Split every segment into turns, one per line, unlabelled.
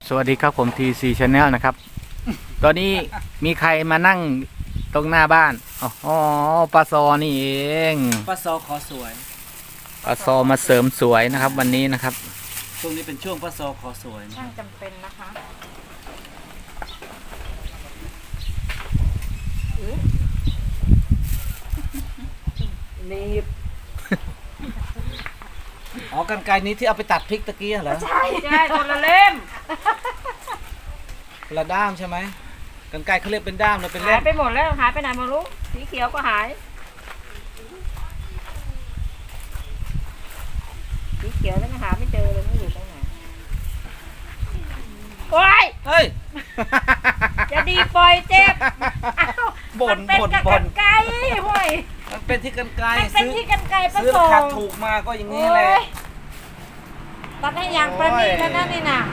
สวัสดีครับผม TC Channel นะครับ ตอนนี้มีใครมานั่งตรงหน้าบ้านอ๋อปลาซอนี่เอง
ป้าซอขอสวย
ปลาซอมาเสริมสวยนะครับ วันนี้นะครับ
ช่วงนี้เป็นช่วงป้าซอขอสวยนะ
ช่างจำเป็นนะคะนี่
อ๋อกันไกรนี้ที่เอาไปตัดพริกตะกี้เหรอ
ใช่คนละเล่ม
คนละด้ามใช่ไหมกันไกรเขาเรียกเป็นด้ามเราเป็น
หา
เล่
ย
ม
ไปหมดแล้วหายไปไหนไมารู้สีเขียวก็หายสีเขียวแล้วก็หาไม่เจอเลยไม่อยู่ตรงไหนโอ๊ย
เฮ้ย
จะดีปล่อยเจ็บอ้าว
บ่น
มัเป็น
บ่น
กับ
บ่
กัน นไกรห่วย
มันเป็นที่กันไกร
มันเป็นที่กันไกรประ
ซื้อ
ส
ราง คาถูกมาก็อย่างนี้แหละ
โอ๊ยตัดให้อย่างประณีตแล้วนะนี่น่ะ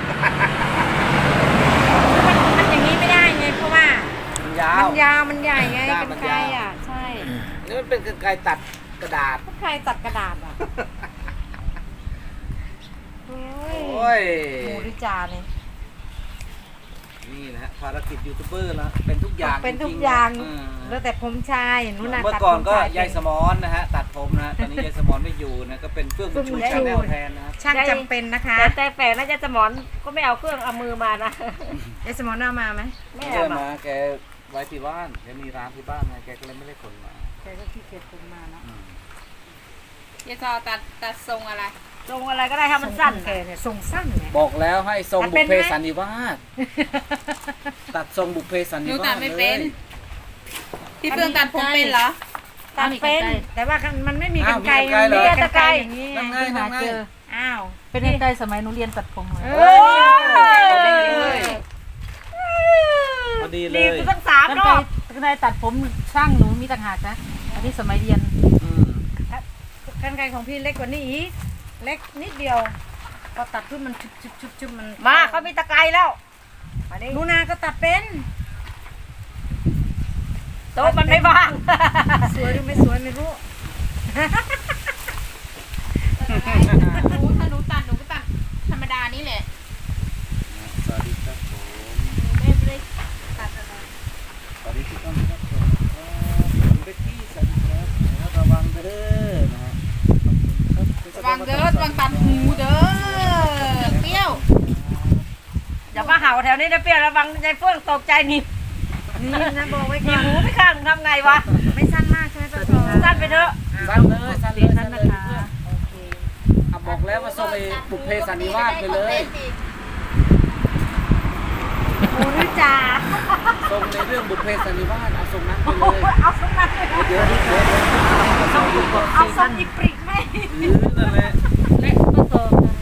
มันอย่างนี้ไม่ได้ไงเพราะว่า
มันยาว
มันยาวมันใหญ่ไง
ด้าม
กั
มัน น
ไกร
ยาว
อ่ะใช่
นี่มันเป็นกันไกรตัดกระดาษ
กันไกรตัดกระดาษอ่ะโอ้
โอ้
ย
ย
หมูดิจาเนี่ย
นี่นะฮะภารกิจยูทูบเบอร์แล้วเป็นทุกอย่าง
เป็นทุก
จริๆ
อย่าง
อืม
แล้วแต่ผมชายนุ่นน่ะ
เมื่อ
ตัด
ก่อน
ผม
ก็
ชาย
ยายสมอนนะฮะตัดผมนะตอนนี้ยายสมอนไม่อยู่นะก็เป็นเฟื่องบุญชูชาแนลแทนนะครับ
ช่างจำเป็นนะคะ
แต่แปลกนะจะสมอนก็ไม่เอาเครื่องเอามือมานะ
ยายสมอนเอามาไหม
ไม่
ไม่
เอา
ได้
มา
มาแกไว้ที่บ้านแกมีร้านที่บ้านไงแกก็เลยไม่ได้ขนมา
แกก็ขี้เกียจผมมาเนาะ
ยายซอตัดทรงอะไรทรงอะไรก็ได้ให้มันสั้น
แกเนี่ยทรงสั้นไง
บอกแล้วให้ทรง
ตัด
บุ
เป็
พ
น
เพ
ไหม
สันนิวาสตัดทรงบุพเพสันนิวาสเลย
พี่เฟื่องตัดผมเป็นเหรอ
ตัดเป็นแต่ว่ามันไม่มีกันไกร
อ้าวมีกรรไกรเหรอ
มีกันไกรอย่างนี้
นั่งไง
หา
นั่งไง
เจออ้าว
เป็นยังไงสมัยหนูเรียนตัดผมเลย
เอ้ย
พอดีเล
ดี
ย
กูตั้งสาม
กัน
ร
ไป
อบ
กันไปตัดผมช่างหนูมีต่างหากนะอันนี้สมัยเรียน
อืม
กันไกรของพี่เล็กกว่านี้อีกเล็กนิดเดียวพอตัดขึ้นมันชุบมัน
มาเขามีตะไคร้แล้วมาดิ
นูนาก็ตัดเป็น
โต๊ะมันไม่ว่าง
สวยหรือไม่สวยไม่รู้
ถ้าหนูตัดหนูก็ตัดธรรมดานี่แหละ
สวัสดีครับผม
ไม่ได้ตัดอะไร
สวัสดีทุกท่านครับผมคุณเบกกี้สวัสดีครับระวังเด้อนะฮะ
ระวังเด้อระวังตัดหูเด้อเปรี้ยวอย่ามาเห่าแถวนี้นะเปรี้ยวระวังใจเฟื่องตกใจนี่
นี่นะบอกไว้
มี
ก่อน
หูไม่ข้างทำไงวะ
ไม่สั้นมากใช่ไหมป้าซอ
สั้นไปเถอะ
สั้นเลยสั้นเลย
สั้นนะคะ
โอเค
อ่ะบอกแล้วว่าทรงไอ้บุพเพสันนิวาสไปเลย
หมูริจ่า
ทรงในเรื่องบุพเพสันนิวาสเอาทรงนั้นไปเลย
เอาสมัย
เดี๋ยว
เอาสมอีปริกไหม
นั่นแหละ
และก็โต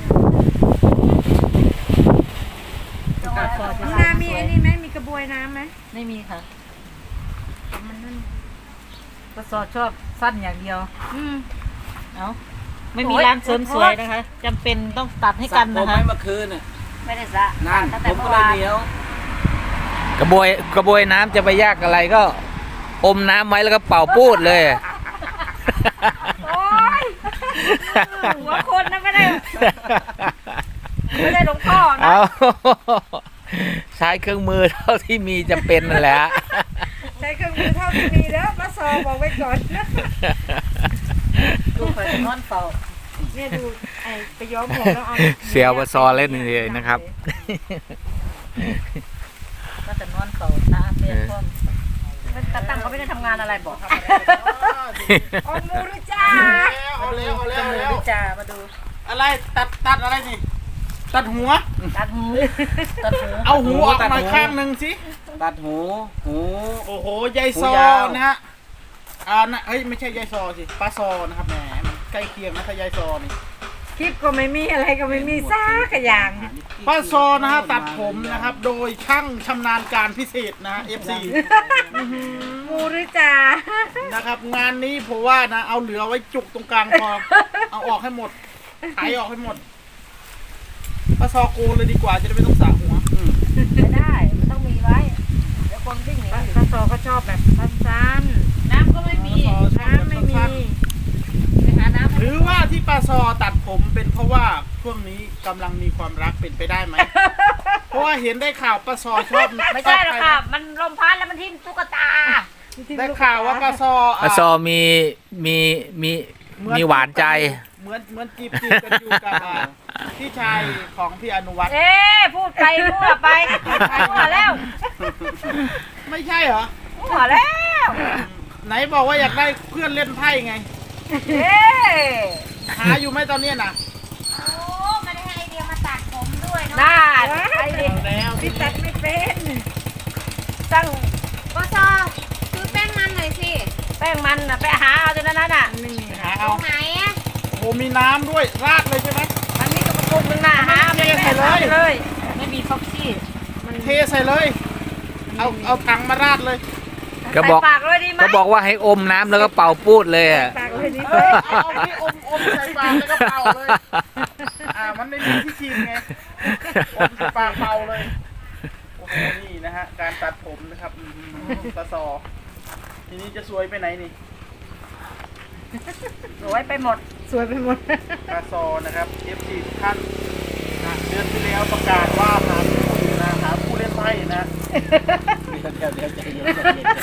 นูนามีไอ้นี่ไหมมีกระบวยน้ำไหม
ไม่มีค่ะ
มันนั่น
ก็สอชอบสั้นอย่างเดียว
อืม
เอาไม่มีร้านเสริมสวยนะคะจำเป็นต้องตัดให้กัน
ผ
นะ
ม
คะ
ไม่เมื่อคืนน่ะ
ไม่ได้สระ
นั่น
ตั้ง
ผ
แต่
ม
เมื่
ก็
อ
เลยว
าน
เหนียว
กระบวยน้ำจะไปยากอะไรก็ อมน้ำไว้แล้วก็เป่าปูดเลย
โอ๊ยหัวคนนะไม่ได้หลวงพ่อนะ
เอาใช้เครื่องมือเท่าที่มีจำเป็นนั่นแหละ
ใช้เครื่องมือเท่าที่มีแล้วป้าซอบอกไว้ก่อน
ดูไปนอนเฝ้า
เนี่ยดูไอ้ไปย้อมผมแล้วเอา
เสียวปลาซอเล่นเลยนะครับ
ก็จะนอนเฝ้าตาเปลี่ยนพร้อม
ตาตั้งเขาไม่ได้ทำงานอะไรบอก
เอาหมูริจ่า
เอาแล้วเอาแล้ว
จมูกดิจ่ามาดู
อะไรตัดอะไรนี่ ตัดหัว
ตัดหู
ตัดหู
เอาหูออกมาข้างหนึ่งสิ
ตัดหูหู
โอ้โหยายซอ
หูยาว
นะฮะนะเฮ้ยไม่ใช่ยายซอสิป้าซอนะครับแหมมันใกล้เคียงนะถ้ายายซอนี่
คลิปก็ไม่มีอะไรก็ไม่มีซักอย่าง
ป้าซอนะฮะตัดผมนะครับ โดยช่างชำนาญการพิเศษนะฮะ FC
หมูริจ่า
นะครับ งานนี้ผมว่านะ เอาเหลือไว้จุกตรงกลางพอ เอาออกให้หมดไถออกให้หมดป้าซอโกนเลยดีกว่าจะได้ไม่ต้องสระหัว
ไม่ได้มันต้องมีไว้เดี๋ยวคนวิ่งหนี
ป้าซอก็ชอบแบบสั้น
น้ำก็ไม่มี
ๆน้ำไม่มี
ไปหาน้ำ
หรือว่าที่ป้าซอตัดผมเป็นเพราะว่าช่วงนี้กำลังมีความรักเป็นไปได้ไหมเพราะว่าเห็นได้ข่าวปลาซอชอบ
ไม่ใช่หรอกค่ะ มันลมพัดแล้วมันทิ่มตุ๊กตา
ได้ข่าวว่าปลาซอ
ปลาซอมีหวานใจ
เหมือนจีบกันอยู่กับพี่ชายของพี่อนุวัฒน์
เอ๊ะพูดไปมั่วไปมั่วแล้ว
ไม่ใช่เหรอ
มั่วแล้ว
ไหนบอกว่าอยากได้เพื่อนเล่นไพ่ไง
เอ๊ะ
หาอยู่ไหมตอนเนี้ยนะ
โอ้มาได้ให้ไอเดียมาตัดผมด้วยเนาะ
น่าไอ้ดิ
แล้ว
พี่ตัดไม่เป็น
ตั้ง
ปอซอซื้อแป้งมันหน่อยสิ
แป้งมันน่ะไปหาเอาจนนั้นน่ะ
หา
ตร
เอา
งไหนอะ
โอ้มีน้ำด้วยราดเลยใช่ไหม
มันมีกระปุกหนึงน่ะหาไป
เทใส่เลย
เลย
ไม่มีฟ็อกซี่
เทใส่เลย เอาถังมาราดเลย
ก็บอก
ใส่ปากเลยดีไหม
ก็บอกว่าให้อมน้ำแล้วก็เป่าปูดเลยอะ
ปากเลยนี่
เอาที่อมใส่ปากแล้วก็เป่าเลย มันไม่มีที่ชิมไงอมใส่ปากเป่าเลย โอ้โห นี่นะฮะ การตัดผมนะครับปลาซอ ทีนี้จะสวยไปไหนนี่
สวยไปหมด
สวยไปหมด
ปลาซอนะครับ FC ทุกท่านนะเดือนที่แล้วประกาศว่าหาผู้อยู่นะหาผู้เล่นไพ่นะเดี๋ยวใจเย็น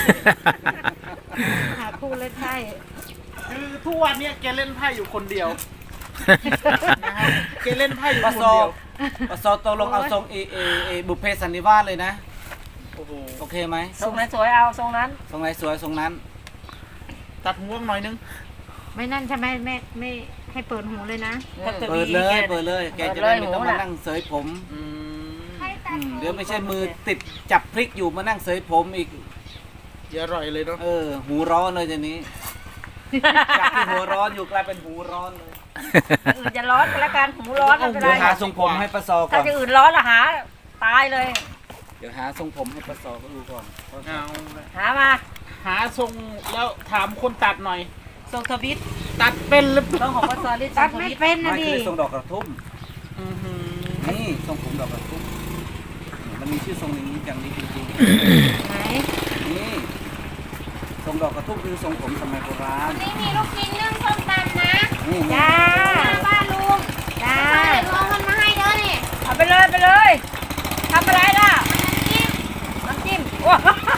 หาคู่เล่นไพ่
คือทุกวันเนี้ยแกเล่นไพ่อยู่คนเดียวนะฮะแกเล่นไพ่อยู่คนเดียว
ปะซอตกลงเอาทรงบุพเพสันนิวาสเลยนะ
โอ้โห
โอเคไหม
ทรงไหนสวยเอาทรงนั้น
ทรงไหนสวยทรงนั้น
ตัดห่วงหน่อยนึง
ไม่นั่นใช่ไหมแม่ไม่ให้เปิดหูเลยนะ
เปิดเลยเปิดเลย แกจะได้ไม่ต้องมานั่งเสยผม เดี๋ยวไม่ใช่มือติดจับพริกอยู่มานั่งเสยผมอีก
อย่าอร่อยเลยเนาะ
หูร้อนเลยทีนี้ จากที่หัวร้อนอยู่กลายเป็นหูร้อนเลย
อื่นจะร้อนก็แล้วกันหูร้อนไม่เป็น
เดี๋ยว
ไร
หาทรงผมให้ปะซอก่
ถ้า
อน
จะอื่นร้อนละหาตายเลย
เดี๋ยวหาทรงผมให้ปะซอก็ดูก่อน
เอา
หามา
หาทรงแล้วถามคนตัดหน่อย
ทรงทวิต
ตัดเป็นหรือเปล่า
ต้องของปสลิด
ตัดไม่เป็นนะ
ไม่
ดิ
คือทรงดอกกระทุ่ม
อื้อหือ
นี่ทรงผมดอกกระทุ่มมันมีชื่อทรงนี้อย่างนี้จริง
ไหน
ๆนี่ทรงดอกกระทุ่มคือทรงผมสมัยโบราณ
นี่มีลูกชิ้นนึ่งส้มตำนะ
นี่
จ้า
นี่
บ้านลุงจ้าลุงมันมาให้เด้อนี่
เอาไปเลยไปเลยทำอะไรล่ะน้ำจิ้มว้า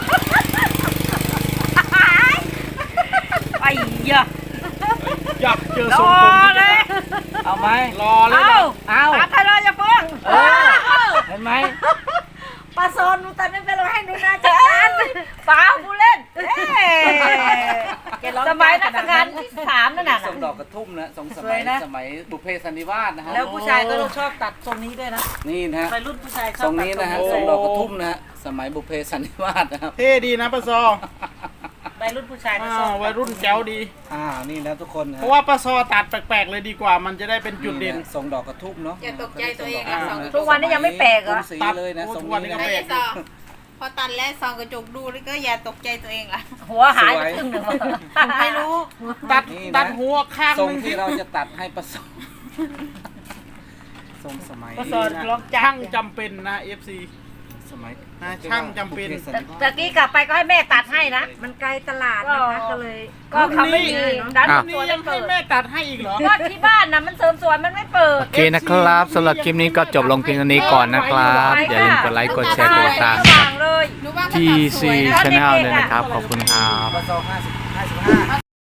ไอ้เหี้ย
อยากเจอ
ร
ทรง
อ
ผม
เลย
เอาไหม
รอเลย
เอา
นะ
เอา
ตัดไปเลยอย่าเพิ่ง
เห็นไหม
ปลาโซนหนูตัดไม่เป็นเราให้หนูน่าจะตัดเปล่าผู้เล่นสมัยรัชกาลที่3นั่นน่ะ
ทรงดอกกระทุ่มนะทรงส
ส
มั
วย ยนะ
สมัยบุพเพสันนิวาสนะฮะ
แล้วผู้ชายก็ต้องชอบตัดทรงนี้ด้วยนะ
นี่นะฮะ
วัยรุ่นผู้ชายช
ท
อ
ร
บ
ง
ตัด
นี้นะฮะ
ท
ท
ร
รง งดอกกระทุ่มนะฮะสมัยบุพเพสันนิวาสนะครับ
เท่ดีนะปะซอ
วัยรุ่นผู้ชายก็
อ่า
ชอบ
วัยรุ่นแจ๋วดี
นี่นะทุกคนนะ
เพราะว่าปะซอตัดแปลกๆเลยดีกว่า มันจะได้เป็นจุดเด่น
ทรงดอกกระทุ่มเนาะ
อย่าตกใจตัวเอง
อ่า
อะสอง
ทุกวันนี้ยังไม่แปลกเหรอ
กรุงศรีเลยนะ
โอ้
ทรง
ทุกวันนี้
นี้
ก็
นะ
แปลก
พอตัดแล้วส่องกระจกดูแล้วก็อย่าตกใจตัวเองล่ะ
หัวหายไปครึ่งหนึ่ง
ไม่รู้
ตัดหัวข้าง
ทรง
หนึง
ที่เราจะตัดให้ประสบทรงสมัย
ปสลองจั
ช่า
บ
งจำเป็นนะ FC
สมัย
ช่างจำเป็น
บุพพสันนิวาส
ตะกี้กลับไปก็ให้แม่ตัดให้นะ
มันไกลตลาดนะคะก็เลย
ก็เขาไม่มีร้าน
อ้าว
ส
นี่
วย
ยั
ไม่
งให้
เปิด
แม่ตัดให้อีกเหรอ
ก็ที่บ้านนะมันเสริมสวยมันไม่เปิด
โอเคนะครับสำหรับคลิปนี้ก็จบลงเพียงเท่านี้ก่อนนะครับ อย่าลืมกดไลค์กดแชร์กดติดตาม
ระหว่างเลย
รู้ว่า
TC Channel ด้วยนะครับ ขอบคุณครับ
ปส55
พอ